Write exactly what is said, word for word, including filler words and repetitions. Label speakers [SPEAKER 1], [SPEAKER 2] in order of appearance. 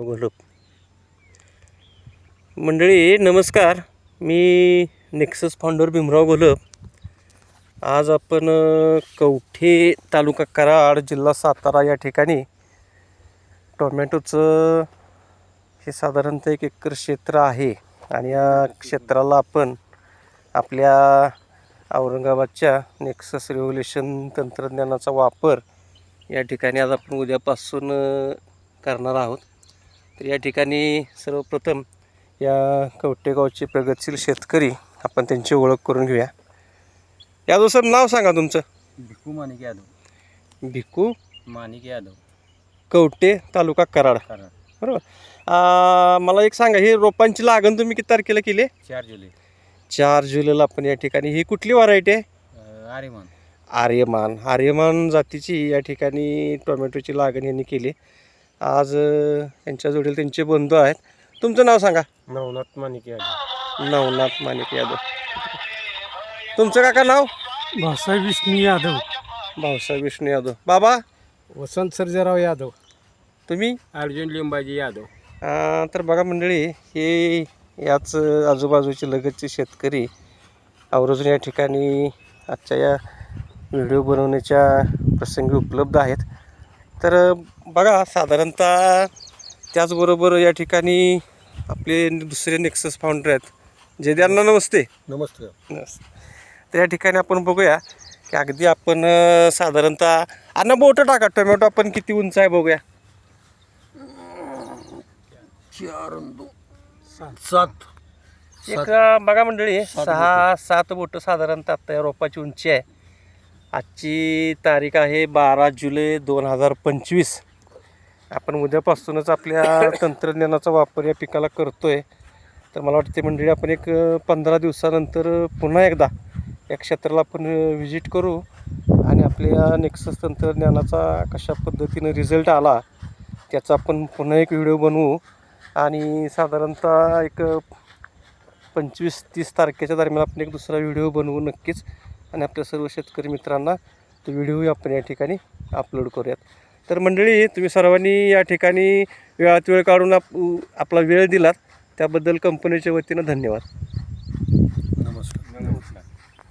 [SPEAKER 1] घोलप. मंडळी नमस्कार, मी नेक्सस फाउंडर भीमराव घोलप. आज आपण कवठे तालुका कराड जिल्हा सातारा या ठिकाणी टोमॅटोचं हे साधारणतः एक एकर क्षेत्र आहे आणि या क्षेत्राला आपण आपल्या औरंगाबादच्या नेक्सस रेव्होल्युशन तंत्रज्ञानाचा वापर या ठिकाणी आज आपण उद्यापासून करणार आहोत. तर या ठिकाणी सर्वप्रथम या कवठेगावचे प्रगतशील शेतकरी आपण त्यांची ओळख करून घेऊया. यादव सर, नाव सांगा तुमचं.
[SPEAKER 2] भिकू माणिक यादव.
[SPEAKER 1] भिकू
[SPEAKER 2] माणिक यादव,
[SPEAKER 1] कवठे तालुका कराड.
[SPEAKER 2] कराड.
[SPEAKER 1] बरोबर. मला एक सांगा, ही रोपांची लागण तुम्ही किती तारखेला केली?
[SPEAKER 2] चार जुलै.
[SPEAKER 1] चार जुलैला आपण या ठिकाणी, ही कुठली व्हरायटी आहे?
[SPEAKER 2] आर्यमान.
[SPEAKER 1] आर्यमान आर्यमान जातीची या ठिकाणी टोमॅटोची लागण यांनी केली. आज यांच्या जोडीला त्यांचे बंधू आहेत. तुमचं नाव सांगा.
[SPEAKER 2] नवनाथ माणिक यादव.
[SPEAKER 1] नवनाथ माणिक यादव. तुमचं काका नाव?
[SPEAKER 3] भाऊसाहेब विष्णू यादव.
[SPEAKER 1] भाऊसाहेब विष्णू यादव. बाबा?
[SPEAKER 3] वसंत सर्जेराव यादव.
[SPEAKER 1] तुम्ही?
[SPEAKER 2] अर्जुन लिंबाजी यादव.
[SPEAKER 1] तर बघा मंडळी, हे याच आजूबाजूचे लगतचे शेतकरी आवर्जून या ठिकाणी आजच्या या व्हिडिओ बनवण्याच्या प्रसंगी उपलब्ध आहेत. तर बघा, साधारणतः त्याचबरोबर या ठिकाणी आपले दुसरे नेक्सस फाउंडर आहेत. जयद्यांना नमस्ते.
[SPEAKER 3] नमस्ते.
[SPEAKER 1] तर या ठिकाणी आपण बघूया की अगदी आपण साधारणतः अन्न बोटं टाका, टोमॅटो आपण किती उंच आहे बघूया.
[SPEAKER 3] चार सात
[SPEAKER 1] एक बघा मंडळी, सहा सात बोटं साधारणतः आता या रोपाची उंची आहे. आजची तारीख आहे बारा जुलै दोन हजार पंचवीस. आपण उद्यापासूनच आपल्या तंत्रज्ञानाचा वापर या पिकाला करतो आहे. तर मला वाटते मंडळी, आपण एक पंधरा दिवसानंतर पुन्हा एकदा या क्षेत्राला आपण व्हिजिट करू आणि आपल्या नेक्सस तंत्रज्ञानाचा कशा पद्धतीनं रिझल्ट आला त्याचा आपण पुन्हा एक व्हिडिओ बनवू. आणि साधारणतः एक पंचवीस तीस तारखेच्या दरम्यान आपण एक दुसरा व्हिडिओ बनवू नक्कीच, आणि आपल्या सर्व शेतकरी मित्रांना तो व्हिडिओही आपण या ठिकाणी अपलोड करूयात. तर मंडळी, तुम्ही सर्वांनी या ठिकाणी वेळात वेळ काढून आप आपला वेळ दिलात त्याबद्दल कंपनीच्या वतीनं धन्यवाद.